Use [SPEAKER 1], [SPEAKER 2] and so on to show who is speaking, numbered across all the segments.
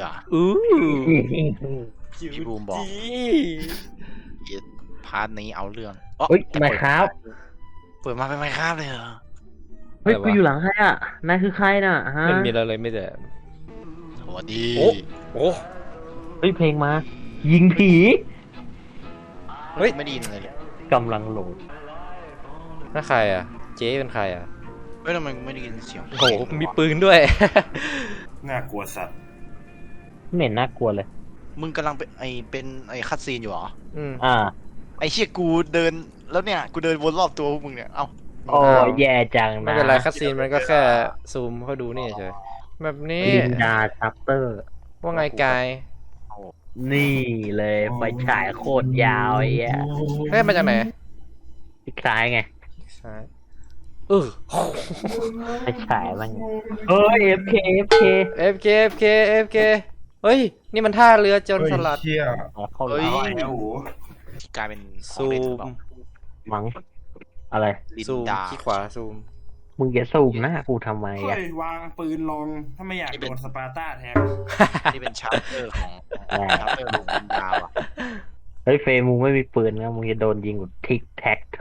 [SPEAKER 1] อู้
[SPEAKER 2] พี่บูมบอกพาร์ทนี้เอาเรื่อง
[SPEAKER 3] เฮ้ยมาครับ
[SPEAKER 2] เปิดมาเป็นไมค์ครับเลยเหรอ
[SPEAKER 3] เฮ้ยกูอยู่หลังใครอ่ะนายคือใครน่ะฮะ
[SPEAKER 1] มันมีอะไรเลยไม่แต่
[SPEAKER 2] สวัสดี
[SPEAKER 1] โอ้โอ้
[SPEAKER 3] เฮ้ยเพลงมา ยิงผี
[SPEAKER 1] เฮ้ย
[SPEAKER 2] ไม่ได้ยินเลยเนี่ย
[SPEAKER 3] กำลังโหลด
[SPEAKER 1] นั่นใครอ่ะเจ๊เป็นใครอ่ะ
[SPEAKER 2] เฮ้ยทำไมไม่ได้ยินเสียง
[SPEAKER 1] โอ้โหมีปืนด้วย
[SPEAKER 4] น่ากลัวสัตว์
[SPEAKER 3] ไม่เห็นน่ากลัวเลย
[SPEAKER 2] มึงกำลังเป็นคัตซีนอยู่เหรอ
[SPEAKER 1] อืม
[SPEAKER 2] ไอ้เชี่ยกูเดินแล้วเนี่ยกูเดินวนรอบตัวพวกมึงเนี่ยเอ้า
[SPEAKER 3] โอ้แย่จังนะ
[SPEAKER 1] ไม่เป็นไรคัสซีนมันก็แค่ซูมเข้าดูนี่เฉยแบบนี้
[SPEAKER 3] ลินดาชัปเตอร์
[SPEAKER 1] ว่าไงกาย
[SPEAKER 3] นี่เลยไฟฉายโคตรยาวไอ้เหี้ย
[SPEAKER 1] เฮ้ยมาจากไหน
[SPEAKER 3] คล้ายไง
[SPEAKER 1] ซ้าย
[SPEAKER 3] ไฟฉายมันเฮ้ย FK FK
[SPEAKER 1] FK FK FK เฮ้ยนี่มันท่าเรือโจรสลัด
[SPEAKER 4] เชี่ย
[SPEAKER 3] เข้า
[SPEAKER 2] เฮ้ย
[SPEAKER 4] ไอ้โอ้โห
[SPEAKER 2] กลายเป็นของ
[SPEAKER 1] ซู
[SPEAKER 2] เล่นหรือ
[SPEAKER 1] ม
[SPEAKER 2] เปล่า
[SPEAKER 3] มั้งอะไร
[SPEAKER 2] ลิน
[SPEAKER 1] ซูม
[SPEAKER 2] ดา
[SPEAKER 1] ที่ขวาซูม
[SPEAKER 3] มึงจะซูมหน้ากูทำไม
[SPEAKER 4] เฮ้
[SPEAKER 3] อ่ะ
[SPEAKER 4] ยวางปืนลงถ้าไม่อยากโดนสปาร์ต้าแทง
[SPEAKER 2] นี่เป็นชาร์เตอร์ของชาร์เตอร์หลวงลินดาว่ะ
[SPEAKER 3] เฮ้ยเฟย์มึงไม่มีปืนนะมึงจะโดนยิงกับทิกแท็กโถ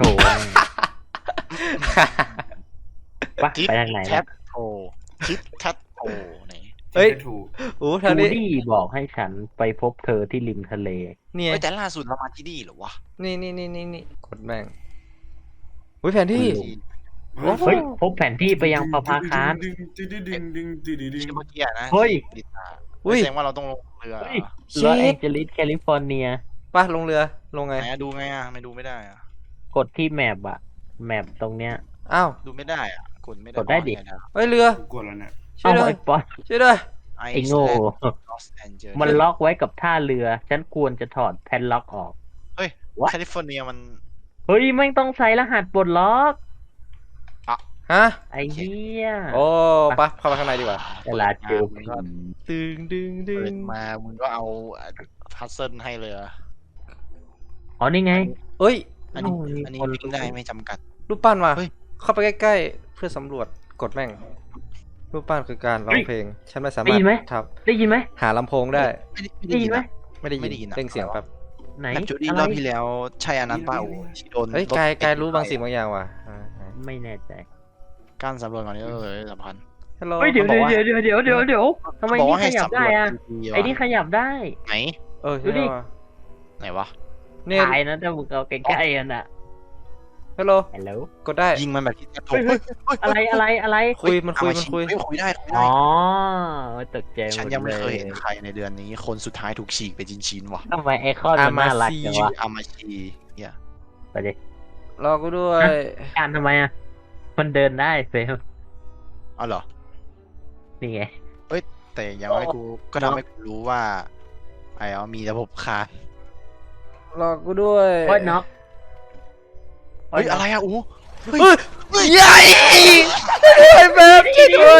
[SPEAKER 3] ปะ
[SPEAKER 2] ทิป
[SPEAKER 3] ไปทางไหน
[SPEAKER 2] แท็
[SPEAKER 3] นะ
[SPEAKER 2] บโททิปแท็บโทไหน
[SPEAKER 1] เฮ้ย
[SPEAKER 4] ถูก
[SPEAKER 1] โอ้
[SPEAKER 3] จู
[SPEAKER 1] ทางนี้
[SPEAKER 3] ดี้บอกให้ฉันไปพบเธอที่ริมทะเล
[SPEAKER 1] เนี่ย
[SPEAKER 2] เฮ้ยแต่ล่าสุดเรามาที่นี่เหรอวะ
[SPEAKER 1] นี่กดแม่งอุ้ยแผนที่
[SPEAKER 3] เฮ้ยพบแผนที่ไปยังประภาคาร
[SPEAKER 4] ดึงดึงดึงดึงดึงดึงดึงดึง
[SPEAKER 2] ที่เมื่อกี้อะนะ
[SPEAKER 3] เฮ้ย
[SPEAKER 2] ลินดา
[SPEAKER 1] อุ้ย
[SPEAKER 2] แสดงว่าเราต้องลงเรือ
[SPEAKER 3] เฮ้ยลอสแองเจลิสแคลิฟอร์เนีย
[SPEAKER 1] ป่ะลงเรือลงไง
[SPEAKER 2] ไหนอะดูไงอะไม่ดูไม่ได้อะ
[SPEAKER 3] กดที่แมปอะแมปตรงเนี้ย
[SPEAKER 1] อ้าว
[SPEAKER 2] ดูไม่ได้อะกดไม่ได้
[SPEAKER 3] กดได้ดิ
[SPEAKER 1] เฮ้ยเรือ
[SPEAKER 4] กูกดแล้วเนี่ย
[SPEAKER 1] ช่วยด้วย
[SPEAKER 3] ไอ้ป๊อต
[SPEAKER 1] ช่วยด้วย
[SPEAKER 2] ไอ
[SPEAKER 3] ไอ้โง่
[SPEAKER 2] ลอสแอนเจลิส
[SPEAKER 3] มันล็อกไว้กับท่าเรือ ฉันควรจะถอดแพนล็อกออก
[SPEAKER 2] เฮ้ย
[SPEAKER 3] What?
[SPEAKER 2] แคลิฟอร์เนียมัน
[SPEAKER 3] เฮ้ยไม่ต้องใส่รหัสปลดล็อก
[SPEAKER 1] ฮะ
[SPEAKER 3] ไอ้เหี้ย
[SPEAKER 1] โอ้ปะเข้าไปข้างในดีกว่า
[SPEAKER 3] เวลาเจอ
[SPEAKER 2] มึ
[SPEAKER 3] ผี
[SPEAKER 2] งก็
[SPEAKER 1] ดึง
[SPEAKER 2] เปิดมามึงก็เอาพัซเซิลให้เลยอะ
[SPEAKER 3] อ๋อนี่ไง
[SPEAKER 1] เอ้ย
[SPEAKER 2] อันนี้
[SPEAKER 3] โอ้ย
[SPEAKER 2] อันนี้
[SPEAKER 3] คน
[SPEAKER 2] วิ่งได้ไม่จำกัด
[SPEAKER 1] รูปปั้นมา
[SPEAKER 2] เฮ้ย
[SPEAKER 1] เข้าไปใกล้ๆเพื่อสำรวจกดแม่ง รูปปั้นคือการร้องเพลง ฉันไม่สามารถทับ
[SPEAKER 3] ได้ยินไหม
[SPEAKER 1] หาลำโพงได้
[SPEAKER 3] ได้ยินไหม
[SPEAKER 1] ไม่ได้
[SPEAKER 2] ไม่ได้ยิ
[SPEAKER 1] ยิน
[SPEAKER 2] นอะ
[SPEAKER 1] เร่งเสียงแป๊บ
[SPEAKER 3] ไหน
[SPEAKER 2] นักจูดี้
[SPEAKER 3] อะไร
[SPEAKER 2] รอบที่แล้วใช่อันนั้นเปล่าที่โดน
[SPEAKER 1] เฮ้ย
[SPEAKER 2] รถ
[SPEAKER 1] กายรู้บางสิ่งบางอย่างว่ะ
[SPEAKER 3] ไม่แน่ใจ
[SPEAKER 2] การสำรวจก่อนนี่สำคัญ
[SPEAKER 1] ฮัลโหล
[SPEAKER 3] เฮ้ยเดี๋ยวทำไม
[SPEAKER 2] บอก
[SPEAKER 3] นี่
[SPEAKER 2] ว่า
[SPEAKER 3] ข
[SPEAKER 2] ให้
[SPEAKER 3] ยับ
[SPEAKER 2] สำร
[SPEAKER 3] ได้
[SPEAKER 2] วจ
[SPEAKER 3] อะ
[SPEAKER 2] ดีๆ
[SPEAKER 3] ไอ้นี่ขยับได้
[SPEAKER 2] ไหน
[SPEAKER 1] ใช่ไหมวะ
[SPEAKER 2] ไหนวะ
[SPEAKER 1] เนี่ย
[SPEAKER 3] ถ่ายนะถ้ามึงเอาใกล้ๆกันอะ
[SPEAKER 1] ฮัลโหล
[SPEAKER 3] ฮัลโหล
[SPEAKER 1] กดได้
[SPEAKER 2] ยิงมันแบบที่แทบโถ
[SPEAKER 3] เฮ้ย อะไร
[SPEAKER 1] คุยมันคุย
[SPEAKER 2] คุยได้
[SPEAKER 3] อ๋อตกใจหมดเลย
[SPEAKER 2] ฉันยังไม่เคยเห็นใครในเดือนนี้คนสุดท้ายถูกฉีกไปชิ้นๆว่ะ
[SPEAKER 3] ทำไมไอคอนมันน่ารักจังวะ
[SPEAKER 2] อามาชีเนี่ย
[SPEAKER 3] ไปดิ
[SPEAKER 1] รอกูด้วย
[SPEAKER 3] การทำไมอะมันเดินได้เฟล
[SPEAKER 2] อ๋อเหรอ
[SPEAKER 3] นี่ไง
[SPEAKER 2] แต่ยังให้กูก็ทำให้กูรู้ว่าไอ้มีระบบคาน
[SPEAKER 1] รอกูด้วย
[SPEAKER 3] โอ้ยน็อก
[SPEAKER 2] เฮ้ยอะไรอะอู้
[SPEAKER 1] เฮ้ยใหญ่ไอ้แบบช่วยด้วย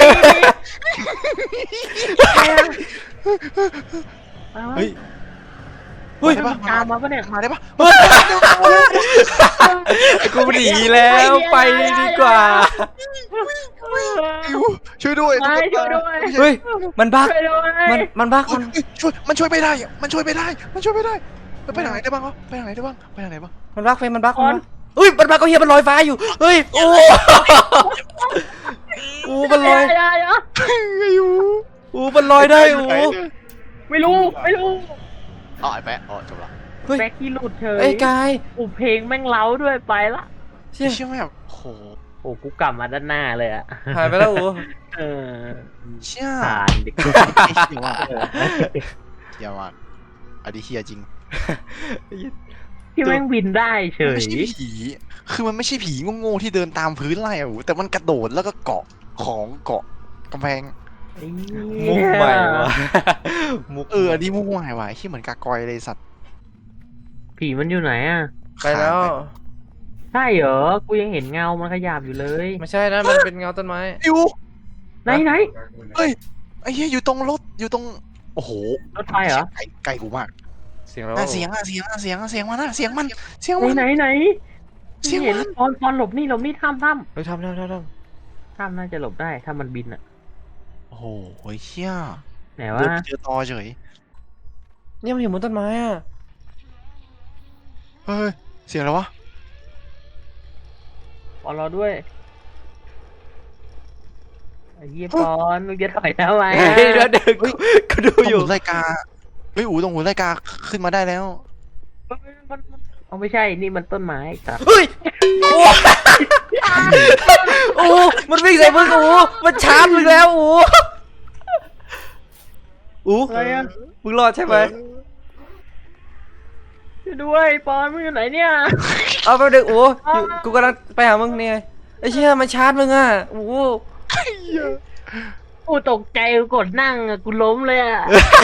[SPEAKER 2] เฮ้ย
[SPEAKER 1] เฮ้ย
[SPEAKER 2] ได้ปะ
[SPEAKER 3] ตามมาปะเนี่ย
[SPEAKER 2] มาได้ปะ
[SPEAKER 1] กูหนีแล้วไปดีกว่า
[SPEAKER 2] อิวช่วยด้วย
[SPEAKER 3] ไม่ช่วยด้วย
[SPEAKER 1] เฮ้ยมันบัก
[SPEAKER 3] ช่วยด้วย
[SPEAKER 1] มันบัก
[SPEAKER 2] เฮ้ยช่วยมันช่วยไม่ได้มันช่วยไม่ได้มันช่วยไม่ได้ไปทางไหนได้บ้างวะไปทางไหนได้บ้างไปทางไหนบ้าง
[SPEAKER 1] มันบักมันบักเฮ้ยมันบักก็เฮียมันลอยฟ้าอยู่เฮ้ยโอ้มันลอย
[SPEAKER 2] อิว
[SPEAKER 1] มันลอยได้
[SPEAKER 3] ไม่รู้
[SPEAKER 2] อ๋อไอ้แปะอ๋อจบละ
[SPEAKER 1] เฮ้ย
[SPEAKER 3] แบ็คกี้หลุดเฉย
[SPEAKER 1] ไอ้กาย
[SPEAKER 3] อุเพลงแม่งเล้าด้วยไปละ
[SPEAKER 1] เชี่ย
[SPEAKER 2] เชื่อไหมแบบโห
[SPEAKER 3] โอ้กูกลับมาด้านหน้าเลยอะ
[SPEAKER 1] หายไปแล้ว
[SPEAKER 3] เออ
[SPEAKER 2] เชื่อ
[SPEAKER 3] ผ่านดิ
[SPEAKER 2] เชื่อว่าเชื่อว่าอันนี้เฮียจริง
[SPEAKER 3] ที่แม่งบินได้เฉ
[SPEAKER 2] มัน
[SPEAKER 3] ย
[SPEAKER 2] ไม่ใช่ผีคือมันไม่ใช่ผีโง่ๆที่เดินตามพื้นไล่อะแต่มันกระโดดแล้วก็เกาะของเกาะกำแพง
[SPEAKER 1] มุกใหม่ว่ะมุก
[SPEAKER 2] อันนี้มุ่งหมายว่ะที่เหมือนกากอยเลยสัตว์
[SPEAKER 3] ผีมันอยู่ไหนอะ
[SPEAKER 1] ไปแล้ว
[SPEAKER 3] ใช่เหรอกูยังเห็นเงามันขยับอยู่เลย
[SPEAKER 1] ไม่ใช่นะมันเป็นเงาต้นไม้
[SPEAKER 2] อิว
[SPEAKER 3] ไหน
[SPEAKER 2] เฮ้ยไอ้เหี้ยอยู่ตรงรถอยู่ตรงโอ้โห
[SPEAKER 3] รถไฟเหรอ
[SPEAKER 2] ไกลกูมาก
[SPEAKER 1] เสียงแล้ว
[SPEAKER 2] เสียงมันเสียงมันเสียงมันเสียงมัน
[SPEAKER 3] ไหน
[SPEAKER 2] เสียง
[SPEAKER 3] เสียง
[SPEAKER 2] มัน
[SPEAKER 3] เห็นตอนหลบนี่ถ้ำ
[SPEAKER 1] เฮ้ยทำ
[SPEAKER 3] ถ้ำน่าจะหลบได้ถ้ามันบินอะ
[SPEAKER 2] โอ้โหเชี่ย
[SPEAKER 3] ไไหน
[SPEAKER 2] เดิ
[SPEAKER 3] วะ
[SPEAKER 2] นไปเจอตอเฉย
[SPEAKER 1] เนี่ยมันอยู่บนต้นไม้อ่ะ
[SPEAKER 2] เฮ้ยเสียงอะไรวะ
[SPEAKER 3] ปอนรอด้วยไอ้เหี้ยปอนมึงจะถอยทำไม
[SPEAKER 1] เฮ้ยเดี๋ยวกูดู
[SPEAKER 2] ตรง
[SPEAKER 1] อยู่
[SPEAKER 2] หุ่นไลกาเฮ้ยอูตรงหุ่นไลกาขึ้นมาได้แล้ว
[SPEAKER 3] เอาไม่ใช่นี่มันต้นไม้สัตว์
[SPEAKER 1] เฮ้ยโอ้โอ้มันวิ่งใส่มึงโอ้มันชาร์จมึงแล้วโอ้โอ้
[SPEAKER 3] อะไรอะ
[SPEAKER 1] มึงรอดใช่ไหม
[SPEAKER 3] ช่วยด้วยปอนมึงอยู่ไหนเนี่ย
[SPEAKER 1] เอาไปเด็กโอ้อยู่กูกำลังไปหามึงเนี่ยไอ้เชี่ยมันชาร์จมึงอ่ะโอ้
[SPEAKER 3] กูตกใจกูกดนั่งอะกูล้มเลยอะ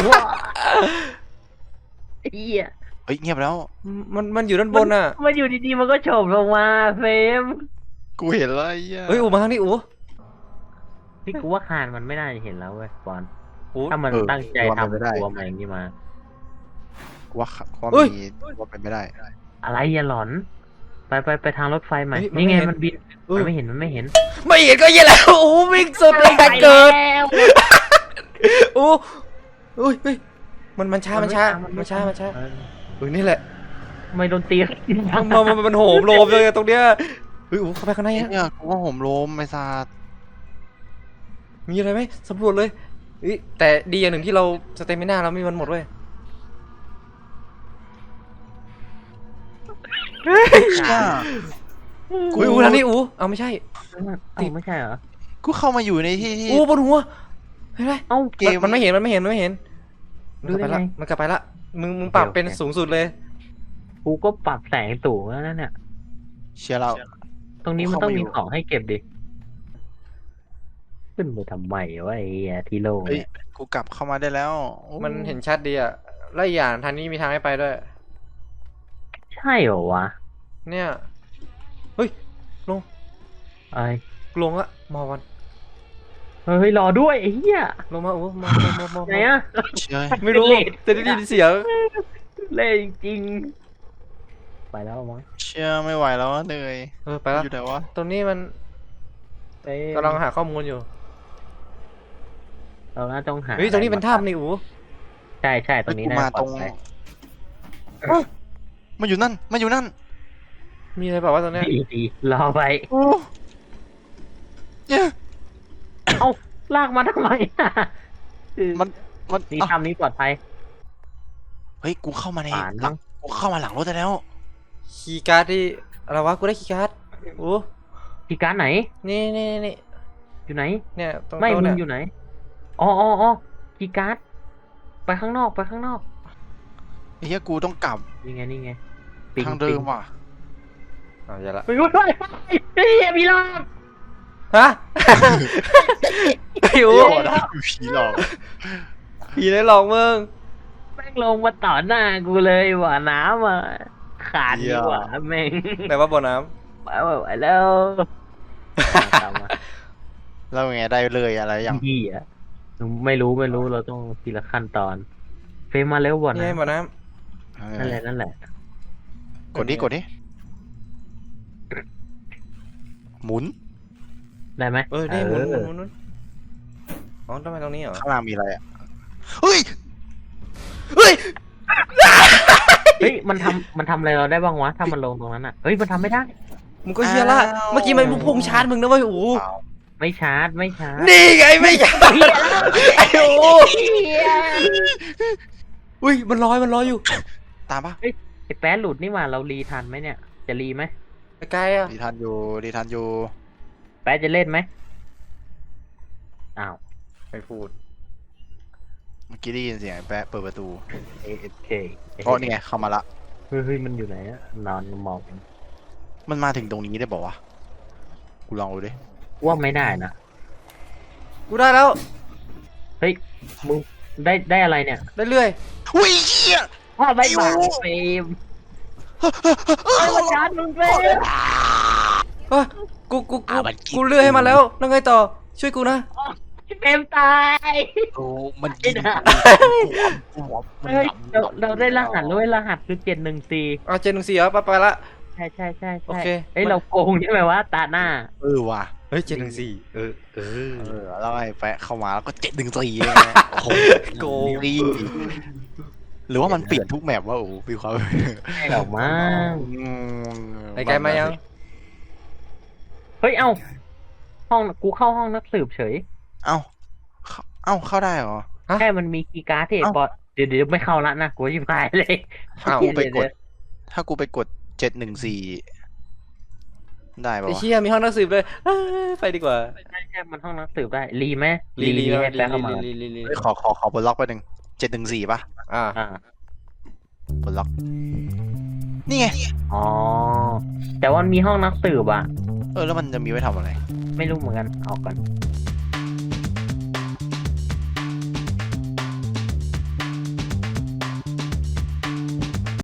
[SPEAKER 3] ไอ้เหี้ย
[SPEAKER 2] เฮ้ยเงียบแล้ว
[SPEAKER 1] มันอยู่ด้านบนอ่ะ
[SPEAKER 3] มันอยู่ดีๆมันก็โฉบลงมาเฟรม
[SPEAKER 2] กูเห็นแล้วไอ้เหี้ย
[SPEAKER 1] เฮ้ยอูมาทางนี้อู
[SPEAKER 3] พี่กูว่าคานมันไม่น่าจะเห็นแล้วเว้ยปอน
[SPEAKER 1] อู
[SPEAKER 3] ถ้ามันตั้งใจทำตัวมาอย่างนี้มา
[SPEAKER 2] กูว่าความ
[SPEAKER 1] เฮ้ย
[SPEAKER 2] มีว่าเป็นไม่ได้
[SPEAKER 3] อะไรอย่าหลอน ไปทางรถไฟใหม่นี่ไงมันบินมันไม่เห็น
[SPEAKER 1] ไม่เห็นก็เหี้ยแล้วโอ้วิ่งสุดเลยแต่เกิดโอ้เฮ้ยมันช้านี่แหละ
[SPEAKER 3] ไม่โดนตี
[SPEAKER 1] มันโหมโลมเลยตรงเนี้ยเฮ้ยอูเข้าไปข้างในอะ
[SPEAKER 2] เนี่ยกูว่าผมโลมไอ้ซาด
[SPEAKER 1] มีอะไรไหมสำรวจเลยแต่ดีอย่างหนึ่งที่เราสเตมิน่าเราไม่มีมันหมดเว้ย
[SPEAKER 2] เนี่ย
[SPEAKER 1] อูทางนี้อูเอาไม่ใช่
[SPEAKER 3] เอ้าไม่ใช่เหรอ
[SPEAKER 2] กูเข้ามาอยู่ในที่ที่
[SPEAKER 1] อูบนหัวเห็นไหม
[SPEAKER 3] เอ้า
[SPEAKER 2] เกม
[SPEAKER 1] มันไม่เห็น
[SPEAKER 3] ดู
[SPEAKER 1] มันกลับไป
[SPEAKER 3] ได้
[SPEAKER 1] ละ
[SPEAKER 3] ไง
[SPEAKER 1] มันกลับไปละมึงปรับเป็นสูงสุดเลย
[SPEAKER 3] กูก็ปรับแสงสูงแล้วนั่นเนี่ย
[SPEAKER 2] เชียร์เรา
[SPEAKER 3] ตรงนี้มันต้องมีของให้เก็บดิขึ้นไปทำไมวะไอ้เหี้ยที่โล่ง
[SPEAKER 2] เฮ้ย
[SPEAKER 3] เนี่ย
[SPEAKER 2] กูกลับเข้ามาได้แล้วโอ้
[SPEAKER 1] มันเห็นชัดดีอะและอีกอย่างทางนี้มีทางให้ไปด้วย
[SPEAKER 3] ใช่เหรอวะ
[SPEAKER 1] เนี่ยเฮ้ยลง
[SPEAKER 3] ไอ้
[SPEAKER 1] ลงละมาวัน
[SPEAKER 3] เฮ้ยรอด้วยไอ้เหี้ย
[SPEAKER 1] ลงมาโอ้มา
[SPEAKER 3] ไหนอะ
[SPEAKER 2] เชียร์
[SPEAKER 1] ไม่รู้แต่ได้ยินเสียง
[SPEAKER 3] เล่จริงๆไปแล้วมั้ง
[SPEAKER 2] เชียร์ไม่ไหวแล้วอะเหนื่อย
[SPEAKER 1] ไปละ
[SPEAKER 2] อยู่ไหนวะ
[SPEAKER 1] ตรงนี้มัน
[SPEAKER 3] ไป
[SPEAKER 1] กำลังหาข้อมูลอยู่
[SPEAKER 3] เราน่าต้องหา
[SPEAKER 1] เฮ้ยตรงนี้เป็นถ้ำนี่อู
[SPEAKER 3] ใช่ตรงนี้
[SPEAKER 2] กู
[SPEAKER 3] น่า
[SPEAKER 2] มา
[SPEAKER 3] ปล
[SPEAKER 2] ต
[SPEAKER 3] อ
[SPEAKER 2] ร
[SPEAKER 3] ด
[SPEAKER 2] ง
[SPEAKER 3] ภัย
[SPEAKER 2] มันอยู่นั่นมันอยู่นั่น
[SPEAKER 1] มีอะไรเปล่าวะตรงเนี้ย
[SPEAKER 3] ดีรอไป
[SPEAKER 2] โอ้เนี่ย
[SPEAKER 3] เอ้าลากมาทำไมอะ
[SPEAKER 2] มัน
[SPEAKER 3] นี่
[SPEAKER 2] อ่ะ
[SPEAKER 3] ทำนี้ปลอดภัย
[SPEAKER 2] เฮ้ยกูเข้ามาใน
[SPEAKER 3] ป่าน
[SPEAKER 2] หลังกูเข้ามาหลังรถได้แล้ว
[SPEAKER 1] คีย์การ์ดที่อะไรวะกูได้คีย์การ์ดอู
[SPEAKER 3] คีย์การ์ดไหน
[SPEAKER 1] นี่
[SPEAKER 3] อยู่ไหน
[SPEAKER 1] เนี่ยตรง
[SPEAKER 3] ไม่
[SPEAKER 1] โต๊ะ
[SPEAKER 3] มึ
[SPEAKER 1] เนี่
[SPEAKER 3] ง
[SPEAKER 1] ย
[SPEAKER 3] อยู่ไหนอ๋อคีย์การ์ดไปข้างนอก
[SPEAKER 2] ไอ้เหี้ยกูต้องกลับ
[SPEAKER 3] นี่ไงปิ
[SPEAKER 2] ทางเดิมว่ะ
[SPEAKER 1] อย่าละ
[SPEAKER 3] ไปด้วยเฮ้ยมีรอบ
[SPEAKER 1] ฮะไอ้อู
[SPEAKER 2] ผีหลอก
[SPEAKER 1] ผีได้หลอกมึง
[SPEAKER 3] แม่งลงมาต่อหน้ากูเลยว่ะน้ำอ่ะขาดดีกว่าแม่ง
[SPEAKER 1] ไหนว่าบ่อน้
[SPEAKER 3] ไปแล้วตามมา
[SPEAKER 2] แล้วไงได้เลยอะไรอย่าง
[SPEAKER 3] พี่อ่ะไม่รู้เราต้องทีละขั้นตอน เฟรมมาเร็วบ่
[SPEAKER 1] ำ
[SPEAKER 3] อน
[SPEAKER 1] นี่
[SPEAKER 3] นะ
[SPEAKER 1] บ่อน้
[SPEAKER 3] นั่นแหละ
[SPEAKER 2] กดดิหมุน
[SPEAKER 3] ได้ไหม
[SPEAKER 1] ำนี่หมุนอ๋อทำไมตรงนี้เหรอ
[SPEAKER 2] ข้างล่างมีอะไรอ่ะเฮ้ย
[SPEAKER 1] เฮ้ย
[SPEAKER 3] เฮ้ยมันทำอะไรเราได้บ้างวะถ้ามันลงตรงนั้นอ่ะเฮ้ยมันทำไม่ได้
[SPEAKER 1] มึงก็เชียร์ละเมื่อกี้มันพุ่งชาร์จมึงนะเว้ยอู
[SPEAKER 3] ไม่ชาร์จ
[SPEAKER 1] นี่ไงไม่ชาร์จไอ้อูอุ้ยมันลอยอยู่
[SPEAKER 2] ตามปะ
[SPEAKER 3] ไอ้แป๊ดหลุดนี่หว่าเรารีทันไหมเนี่ยจะรีไหม
[SPEAKER 1] ไกลอ่ะ
[SPEAKER 2] ดีทันอยู่
[SPEAKER 3] แป๊ดจะเล่นไหมอ้าว
[SPEAKER 1] ไม่พูด
[SPEAKER 2] เมื่อกี้ได้ยินเสียงไอ้แปะเปิดประตู
[SPEAKER 3] AFK
[SPEAKER 2] ก็นี่ไงเข้ามาละ
[SPEAKER 3] เฮ้ยมันอยู่ไหนอะนอนมอง
[SPEAKER 2] มันมาถึงตรงนี้ได้บอกวะกูลองดูดิ
[SPEAKER 3] ว่าไม่ได้นะ
[SPEAKER 1] กูได้แล้ว
[SPEAKER 3] เฮ้ยมึงได้อะไรเนี่ย
[SPEAKER 1] ได้เรื่อย
[SPEAKER 2] อุ้ยเหี้ย
[SPEAKER 3] ว่าไม่มาเฟรมไอ้วันจันทร์มึงเฟรม
[SPEAKER 1] กูเลื่อยให้มันแล้วแล้วไงต่อช่วยกูนะ
[SPEAKER 3] เฟรมตาย
[SPEAKER 2] โอ้มันกิน
[SPEAKER 3] เฮ้ยเราได้รหัสแล้วรหัสคือ714
[SPEAKER 1] เอาเจนหนึ่งสี่เหรอไปละ
[SPEAKER 3] ใช่
[SPEAKER 1] โอเค
[SPEAKER 3] เฮ้ยเราโกงใช่ไหมวะตาหน้า
[SPEAKER 2] ว่ะ
[SPEAKER 1] เฮ้ย714
[SPEAKER 2] แล้วไอ้แฟะเข้ามาแล้วก็714เลยนะโอ้โห
[SPEAKER 1] โกง
[SPEAKER 2] หรือว่ามันเปลี่ยนทุกแมปว่าโอ้มีความ
[SPEAKER 3] ไม่หรอกมั้ง
[SPEAKER 1] ไอ้ไกลมายัง
[SPEAKER 3] เฮ้ยเอ้าห้องกูเข้าห้องนักสืบเฉย
[SPEAKER 2] เอ้าเข้าได้เหรอ
[SPEAKER 3] แค่มันมีคีย์การ์ดที่
[SPEAKER 2] เอ้า
[SPEAKER 3] ปอเดี๋ยวไม่เข้าละนะกูชิบหายเลย
[SPEAKER 1] อ้าว
[SPEAKER 2] กูไปกด ถ้ากูไปกด714ได้ปะ
[SPEAKER 1] ไอ้
[SPEAKER 2] วะ
[SPEAKER 1] เชี่ยมีห้องนักสืบเลยเอ้ยไปดีกว่า
[SPEAKER 3] ใช่มันห้องนักสืบได้รีไหม
[SPEAKER 1] ลี
[SPEAKER 3] ให้แปลเข้ามา
[SPEAKER 1] ลี
[SPEAKER 2] เฮ้ยขอบนล็อกไปหนึ่ง714ป่ะ
[SPEAKER 1] อ่า
[SPEAKER 3] อ่า
[SPEAKER 2] บนล็อก นี่ไง
[SPEAKER 3] อ๋อแต่ว่ามันมีห้องนักสืบอ่ะ
[SPEAKER 2] แล้วมันจะมีไว้ทำอะไร
[SPEAKER 3] ไม่รู้เหมือนกันเอาก่อน